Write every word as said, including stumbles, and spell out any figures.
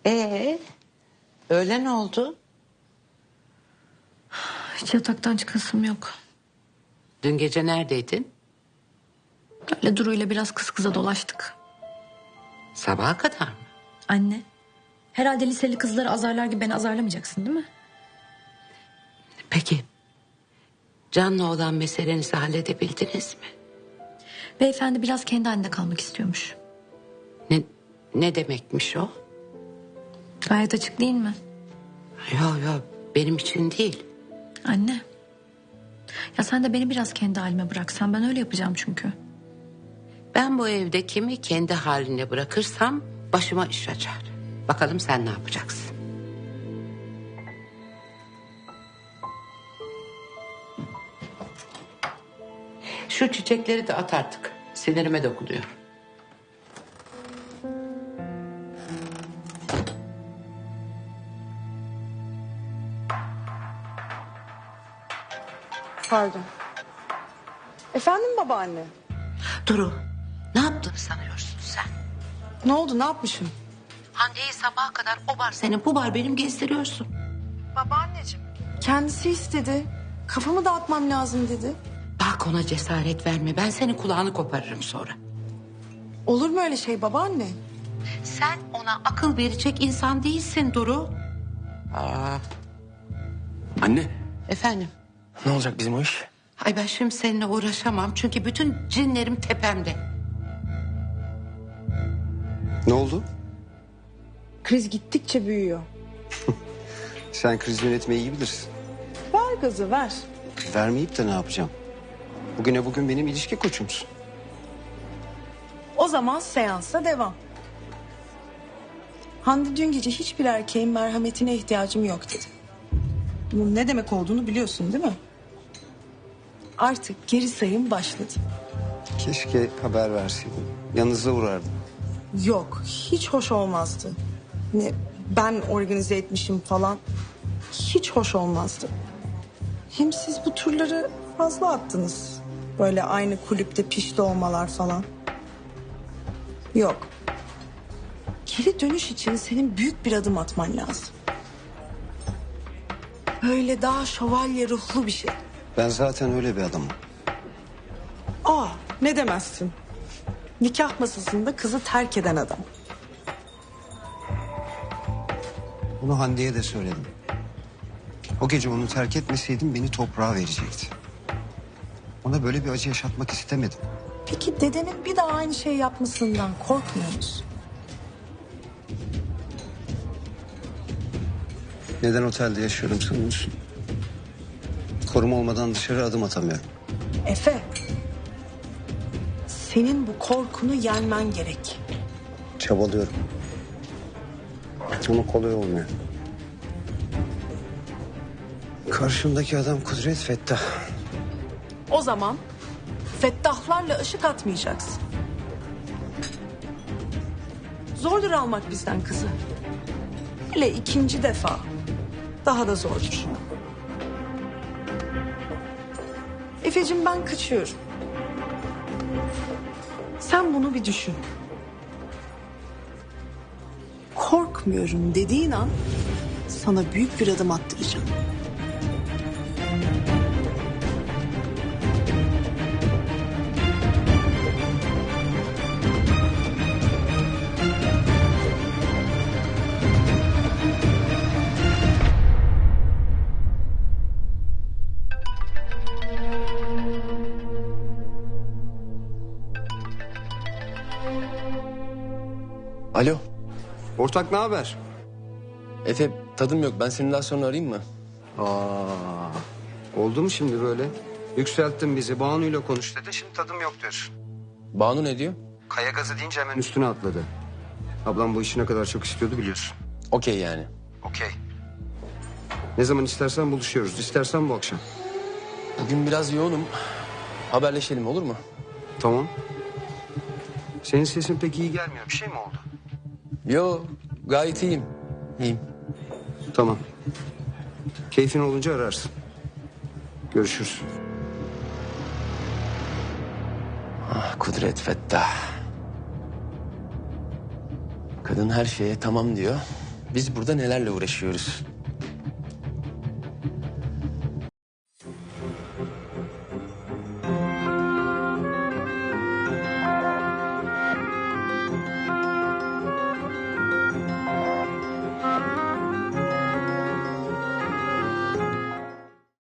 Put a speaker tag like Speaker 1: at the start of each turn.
Speaker 1: Ee, öğlen oldu.
Speaker 2: Hiç yataktan çıkasım yok.
Speaker 1: Dün gece neredeydin?
Speaker 2: Öyle Duru'yla biraz kız kıza dolaştık.
Speaker 1: Sabaha kadar mı?
Speaker 2: Anne, herhalde liseli kızları azarlar gibi beni azarlamayacaksın değil mi?
Speaker 1: Peki, Can'la olan meselenizi halledebildiniz mi?
Speaker 2: Beyefendi biraz kendi halinde kalmak istiyormuş.
Speaker 1: Ne, ne demekmiş o?
Speaker 2: Gayet açık değil mi?
Speaker 1: Yok yok, benim için değil.
Speaker 2: Anne. Ya sen de beni biraz kendi halime bıraksan, ben öyle yapacağım çünkü.
Speaker 1: Ben bu evde kimi kendi haline bırakırsam başıma iş açar. Bakalım sen ne yapacaksın? Şu çiçekleri de at artık. Sinirime dokunuyor.
Speaker 3: Pardon. Efendim babaanne?
Speaker 1: Duru, ne yaptığını sanıyorsun sen?
Speaker 3: Ne oldu, ne yapmışım?
Speaker 1: Hande'yi sabaha kadar o bar senin, bu bar benim gezdiriyorsun.
Speaker 3: Babaanneciğim. Kendisi istedi. Kafamı dağıtmam lazım dedi.
Speaker 1: Bak ona cesaret verme. Ben senin kulağını koparırım sonra.
Speaker 3: Olur mu öyle şey babaanne?
Speaker 1: Sen ona akıl verecek insan değilsin Duru. Aa,
Speaker 4: Anne,
Speaker 1: efendim.
Speaker 4: ne olacak bizim o iş?
Speaker 1: Ay ben şimdi seninle uğraşamam. Çünkü bütün cinlerim tepemde.
Speaker 5: Ne oldu?
Speaker 3: Kriz gittikçe büyüyor.
Speaker 5: Sen kriz yönetmeyi iyi bilirsin.
Speaker 3: Ver gazı ver.
Speaker 5: Vermeyip de ne yapacağım? Bugüne bugün benim ilişki koçumsun.
Speaker 3: O zaman seansa devam. Hande dün gece hiçbir erkeğin merhametine ihtiyacım yok dedi. Bunun ne demek olduğunu biliyorsun değil mi? Artık geri sayım başladı.
Speaker 5: Keşke haber verseydin. Yanınıza uğrardım.
Speaker 3: Yok, hiç hoş olmazdı. Ne ben organize etmişim falan. Hiç hoş olmazdı. Hem siz bu turları fazla attınız. Böyle aynı kulüpte pişti olmalar falan. Yok. Geri dönüş için senin büyük bir adım atman lazım. Böyle daha şövalye ruhlu bir şey.
Speaker 5: Ben zaten öyle bir adamım.
Speaker 3: Aa, ne demezsin. Nikah masasında kızı terk eden adam.
Speaker 5: Bunu Hande'ye de söyledim. O gece onu terk etmeseydim beni toprağa verecekti. Ona böyle bir acı yaşatmak istemedim.
Speaker 3: Peki dedenin bir daha aynı şey yapmasından korkmuyor musun?
Speaker 5: Neden otelde yaşıyorum sanıyorsun? Koruma olmadan dışarı adım atamıyorum.
Speaker 3: Efe, senin bu korkunu yenmen gerek.
Speaker 5: Çabalıyorum. Ama kolay olmuyor. Karşımdaki adam Kudret Fettah.
Speaker 3: O zaman fettahlarla ışık atmayacaksın. Zordur almak bizden kızı. Hele ikinci defa daha da zordur. Efeciğim ben kaçıyorum. Sen bunu bir düşün. Korkmuyorum dediğin an sana büyük bir adım attıracağım.
Speaker 4: Alo,
Speaker 5: Ortak ne haber?
Speaker 4: Efe tadım yok. Ben seni daha sonra arayayım mı?
Speaker 5: Aa, oldu mu şimdi böyle? Yükselttin bizi. Banu'yla konuş dedi. Şimdi tadım yok diyorsun.
Speaker 4: Banu ne diyor?
Speaker 5: Kaya gazı deyince hemen üstüne atladı. Ablam bu işi ne kadar çok istiyordu biliyorsun.
Speaker 4: Okey yani.
Speaker 5: Okey. Ne zaman istersen buluşuyoruz. İstersen bu akşam.
Speaker 4: Bugün biraz yoğunum. Haberleşelim olur mu?
Speaker 5: Tamam. Senin sesin pek iyi gelmiyor. Bir şey mi oldu?
Speaker 4: Yo, gayet iyiyim. İyiyim.
Speaker 5: Tamam. Keyfin olunca ararsın. Görüşürüz.
Speaker 4: Ah Kudret Fettah. Kadın her şeye tamam diyor. Biz burada nelerle uğraşıyoruz?